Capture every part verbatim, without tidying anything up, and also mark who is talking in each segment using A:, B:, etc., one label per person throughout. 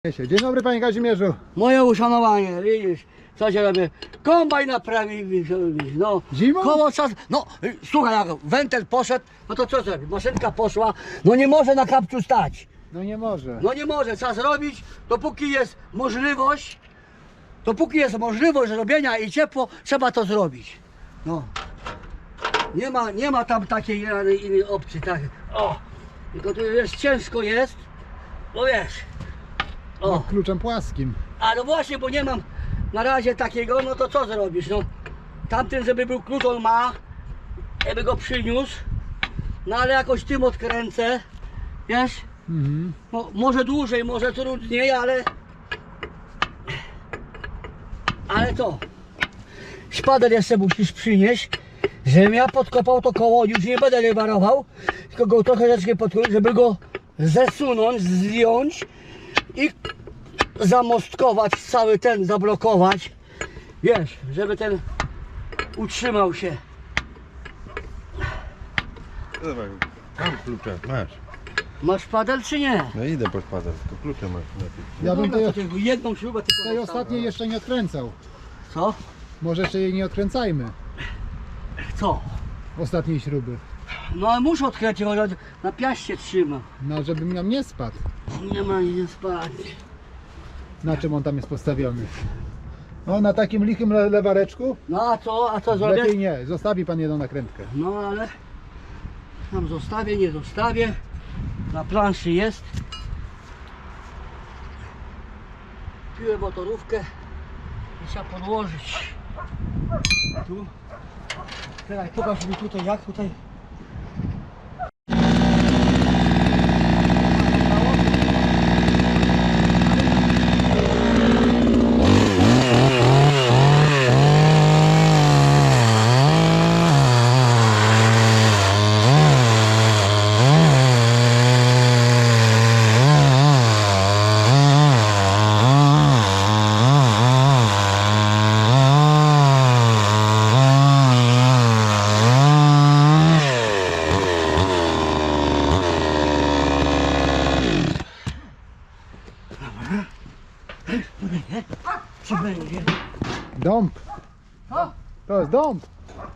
A: Dzień dobry, panie Kazimierzu.
B: Moje uszanowanie, widzisz, co się robi? Kombaj naprawi, no.
A: Zimą?
B: Koło czas, no, słuchaj, jak wentyl poszedł, no to co zrobi? Maszynka poszła, no nie może na kapciu stać.
A: No nie może.
B: No nie może, trzeba zrobić, dopóki jest możliwość, dopóki jest możliwość robienia i ciepło, trzeba to zrobić. No. Nie ma, nie ma tam takiej innej, innej opcji, tak. O, tylko tu jest ciężko jest, bo wiesz. O.
A: No, kluczem płaskim.
B: A no właśnie, bo nie mam na razie takiego, no to co zrobisz, no. Tamten, żeby był klucz, on ma, żeby go przyniósł, no ale jakoś tym odkręcę, wiesz,
A: Mhm.
B: no, może dłużej, może trudniej, ale, ale co, szpader jeszcze musisz przynieść, żebym ja podkopał to koło, już nie będę rewarował, tylko go trochę rzecznie podkopać, żeby go zesunąć, zdjąć i zamostkować cały ten, zablokować, wiesz, żeby ten utrzymał się.
C: Dawaj, mam klucze, masz.
B: Masz padel czy nie?
C: No idę po szpadel, tylko klucze masz lepiej.
A: Ja bym
B: Dobra,
A: tej,
B: to tylko jedną śrubę tylko
A: tej
B: zostawię.
A: ostatniej jeszcze nie odkręcał.
B: Co?
A: Może jeszcze jej nie odkręcajmy.
B: Co?
A: Ostatniej śruby.
B: No ale muszę odkręcić, bo na piaście trzyma.
A: No, żeby nam nie spadł.
B: Nie ma nie spać.
A: Na czym on tam jest postawiony? No, na takim lichym le lewareczku?
B: No a co? A co zrobię?
A: Lepiej nie. Zostawi pan jedną nakrętkę.
B: No ale tam zostawię, nie zostawię. Na planszy jest. Piłem motorówkę i trzeba podłożyć. Tu. Teraz pokaż mi tutaj jak tutaj. Czy będzie?
A: Dąb.
B: Co?
A: To jest dąb.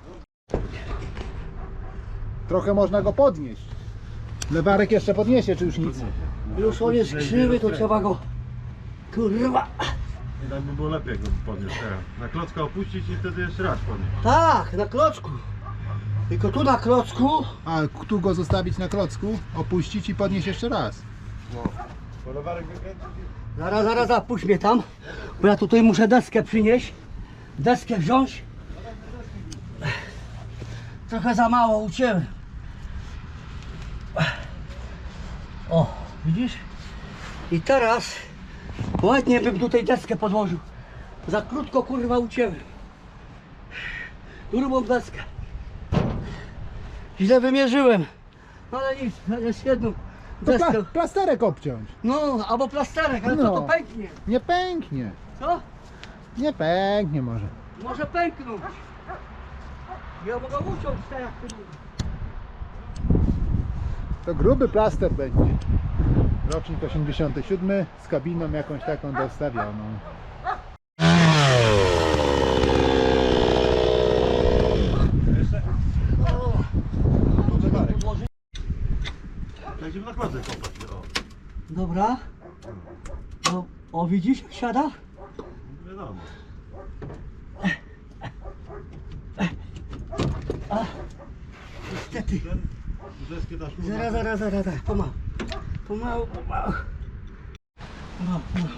A: Trochę można go podnieść. Lewarek jeszcze podniesie, czy już nic?
B: Już on jest krzywy, to trzeba go. Kurwa!
C: I tak by było lepiej, jakby podniósł teraz. Na klocka opuścić i wtedy jeszcze raz podnieść.
B: Tak, na klocku. Tylko tu na klocku.
A: A tu go zostawić na klocku, opuścić i podnieść jeszcze raz.
C: No. Bo lewarek wykręcić i...
B: Zaraz, zaraz, zaraz, puść mnie tam. Bo ja tutaj muszę deskę przynieść. Deskę wziąć. Trochę za mało ucięłem. O, widzisz? I teraz ładnie bym tutaj deskę podłożył. Za krótko kurwa ucięłem. Grubą deskę. Źle wymierzyłem. No ale nic, jest jedną
A: To
B: deskę.
A: pla plasterek obciąć.
B: No, albo plasterek, ale
A: No.
B: co to pęknie?
A: Nie pęknie.
B: Co?
A: Nie pęknie może.
B: Może pęknąć. Ja mogę uciąć tak jak ty mówisz.
A: To gruby plaster będzie. Rocznik osiemdziesiąty siódmy z kabiną jakąś taką dostawioną.
B: O,
C: Tu lewarek.
B: podłożyć.
C: Będziemy na klocek kopać. O.
B: Dobra. O, o widzisz jak siada?
C: Wiadomo.
B: Niestety.
C: Ten deskę dasz po
B: Zaraz, zaraz, zaraz, zaraz. Pomału. Pomału, pomału. Pomału, pomału.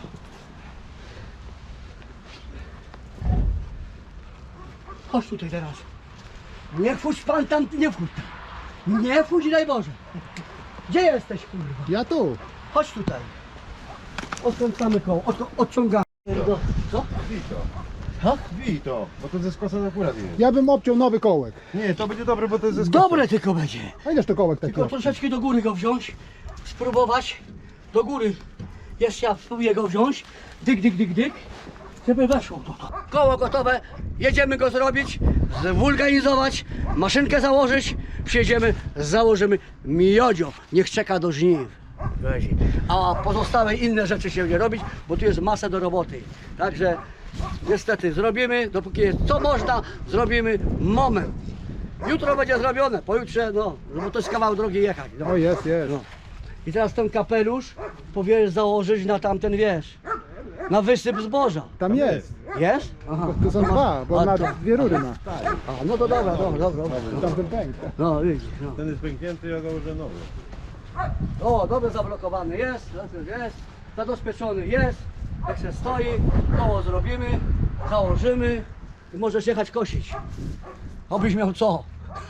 B: Chodź tutaj teraz. Nie wchodź pan tam, nie wchodź tam. Nie wchodź, daj Boże. Gdzie jesteś kurwa?
A: Ja tu.
B: Chodź tutaj. Odkręcamy koło, od, odciągamy. Do, co?
C: Bij to.
B: Co?
C: Bij to, bo to ze skosem akurat jest.
A: Ja bym obciął nowy kołek.
C: Nie, to będzie dobre, bo to jest ze skosem.
B: Dobre tylko będzie.
A: A ileż to kołek taki?
B: Tylko troszeczkę do góry go wziąć. Spróbować. Do góry. Jeszcze ja spróbuję go wziąć. Dyk, dyk, dyk, dyk. Żeby weszło to, to. Koło gotowe. Jedziemy go zrobić. Zwulganizować. Maszynkę założyć. Przyjedziemy, założymy miodzio. Niech czeka do żniw. Lezi. A pozostałe inne rzeczy się nie robić, bo tu jest masa do roboty. Także niestety zrobimy, dopóki jest co można, zrobimy moment. Jutro będzie zrobione, pojutrze, no, bo to jest kawał drogi jechać. No.
A: O, jest, jest.
B: No. I teraz ten kapelusz powiesz założyć na tamten, wiesz, na wysyp zboża.
A: Tam jest.
B: Jest? Aha.
A: Tu są dwa, bo
B: A,
A: na
B: to-
A: dwie rury ma.
B: A, no to dobra, dobra, dobra. dobra.
A: Tamten pęk.
B: No widzisz, no.
C: Ten jest pęknięty, ja założę nowy.
B: O, dobrze zablokowany jest, jest, zabezpieczony jest, jak się stoi, koło zrobimy, założymy i możesz jechać kosić. Obyś miał co?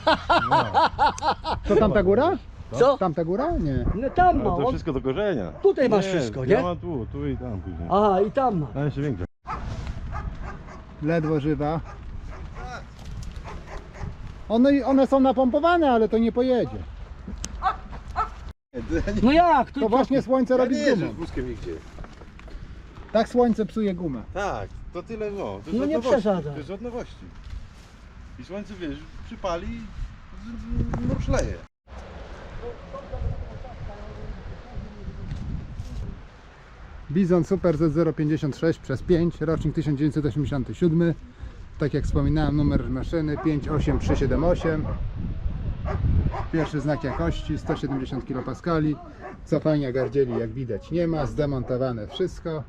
A: To tamta góra?
B: Co?
A: Tamta góra? Nie.
B: No tam
C: Ale
B: ma,
C: to
B: on,
C: wszystko do korzenia.
B: tutaj masz wszystko, nie?
C: Ja mam tu, tu i tam później.
B: Aha, i tam ma.
C: A jeszcze większe.
A: Ledwo żywa. One, one są napompowane, ale to nie pojedzie.
B: No jak? Tu,
A: To właśnie słońce robi z gumą.
C: wózkiem nigdzie.
A: Tak słońce psuje gumę.
C: Tak, to tyle, no. To jest
B: No
C: od
B: nie
C: nowości,
B: przesadzaj.
C: To jest od nowości. I słońce, wiesz, przypali i z- no szleje.
A: Bizon Super Z zero pięćdziesiąt sześć przez pięć, rocznik tysiąc dziewięćset osiemdziesiąty siódmy. Tak jak wspominałem, numer maszyny pięć osiem trzy siedem osiem. Pierwszy znak jakości, sto siedemdziesiąt kilopaskali. Cofania gardzieli jak widać nie ma, zdemontowane wszystko.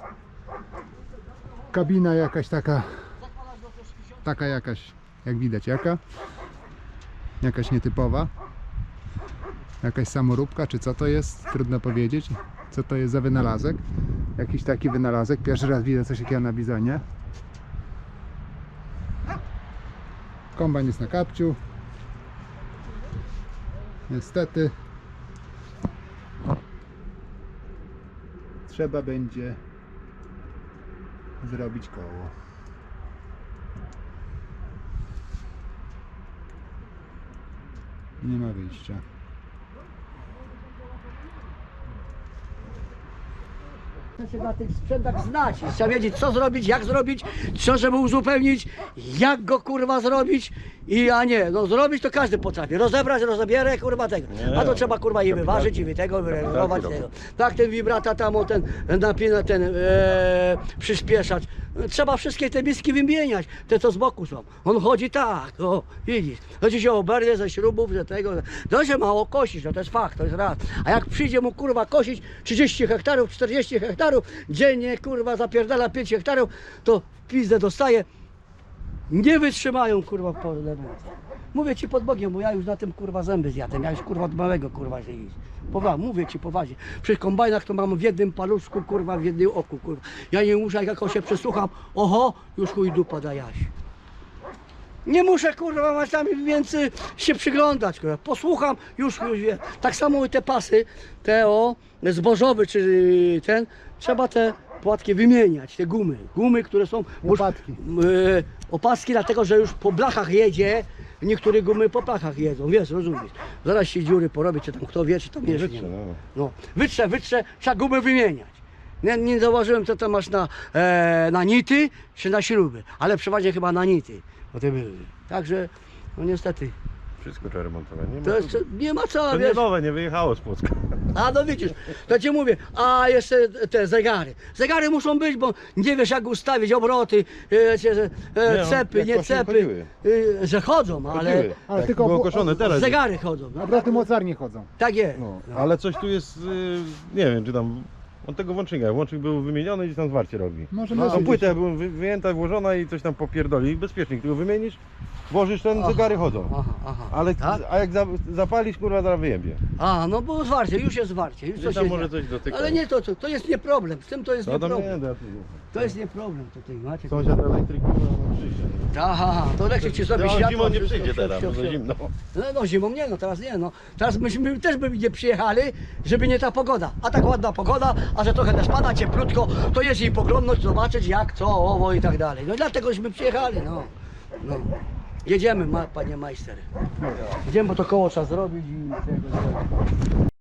A: Kabina jakaś taka, taka jakaś, jak widać jaka. Jakaś nietypowa. Jakaś samoróbka, czy co to jest? Trudno powiedzieć. Co to jest za wynalazek? Jakiś taki wynalazek. Pierwszy raz widzę coś takiego na bizonie. Kombajn jest na kapciu. Niestety trzeba będzie zrobić koło. Nie ma wyjścia.
B: Trzeba się na tych sprzętach znać. Trzeba wiedzieć, co zrobić, jak zrobić, co żeby uzupełnić, jak go kurwa zrobić i a nie, no zrobić to każdy potrafi. Rozebrać, rozebierę, kurwa tego. A to trzeba kurwa i wyważyć, i wy tego, wyregulować tego. Tak, ten wibrata tam, o, ten napina, ten e, przyspieszać. Trzeba wszystkie te miski wymieniać, te co z boku są. On chodzi tak, o, widzisz. Chodzi się o berdę ze śrubów, ze tego. To się mało kosić, no to jest fakt, to jest raz. A jak przyjdzie mu kurwa kosić trzydzieści hektarów, czterdzieści hektarów, dziennie kurwa zapierdala pięć hektarów, to w pizdę dostaje. Nie wytrzymają kurwa w pole. Mówię ci pod Bogiem, bo ja już na tym kurwa zęby zjadłem, ja już kurwa od małego kurwa się iść. Poważnie, mówię ci poważnie. Przy kombajnach to mam w jednym paluszku kurwa, w jednym oku kurwa. Ja nie muszę, jak się przesłucham, oho, już chuj dupa da jaś. Nie muszę kurwa mać tam więcej się przyglądać, kurwa. Posłucham, już, już wiem. Tak samo i te pasy, te o, zbożowe czy ten, trzeba te płatki wymieniać, te gumy. Gumy, które są...
A: Łopatki.
B: E, opaski, dlatego że już po blachach jedzie, niektóre gumy po blachach jedzą, wiesz, rozumiesz. Zaraz się dziury porobi, czy tam kto wie, czy tam jeszcze nie
C: Wytrze,
B: ma.
C: no.
B: No, wytrze, wytrze, trzeba gumy wymieniać. Nie, nie zauważyłem, co to masz na, e, na nity, czy na śruby, ale przeważnie chyba na nity, bo te były. Także, no niestety,
C: Wszystko trzeba remontować. Nie ma,
B: to jest, nie ma co,
C: to nie
B: wiesz.
C: nowe, nie wyjechało z Płocka.
B: A no widzisz, to ci mówię, a jeszcze te zegary. Zegary muszą być, bo nie wiesz jak ustawić obroty, e, czy, e,
C: Nie, no,
B: cepy,
C: jak
B: nie
C: właśnie
B: cepy,
C: chodziły.
B: e, że chodzą, ale
C: Chodziły.
A: Ale
C: Tak,
A: tylko
C: było
A: bu-
C: koszone teraz.
B: zegary chodzą. No,
A: Obroty mocarnie chodzą.
B: tak jest.
C: No, ale coś tu jest, y, nie wiem, czy tam, on tego włącznika, włącznik był wymieniony i tam zwarcie robi.
A: Może
B: No,
A: no,
C: Tą płytę była wy- wyjęta, włożona i coś tam popierdoli. Bezpiecznik, tylko wymienisz, włożysz ten,
B: Aha,
C: zegary chodzą.
B: Aha, aha.
C: Ale,
B: Tak?
C: a jak za, zapalisz, kurwa, zaraz wyjebie.
B: A, no bo zwarcie, już jest zwarcie, już
C: Gdzieś
B: coś
C: tam
B: jest.
C: może coś dotyka.
B: Ale nie to, to, to jest nie problem, z tym to jest
C: No
B: nie
C: tam nie,
B: problem.
C: da,
B: To jest nie problem tutaj, macie.
C: sąsiad elektryk, kurwa, no przyjdzie.
B: Aha, to elektryk ci sobie
C: No,
B: światło.
C: zimą nie
B: wszystko,
C: przyjdzie
B: wszystko,
C: teraz, bo
B: wszystko.
C: za zimno.
B: No, no zimą nie, no teraz nie, no. Teraz myśmy też by nie przyjechali, żeby nie ta pogoda. A tak ładna pogoda, a że trochę też pada cieplutko, to jest jej poglądność, zobaczyć jak, co, owo i tak dalej. No i dlategośmy przyjechali, no. no. Jedziemy, ma, panie majster. Jedziemy, bo to koło trzeba zrobić i tego zrobić.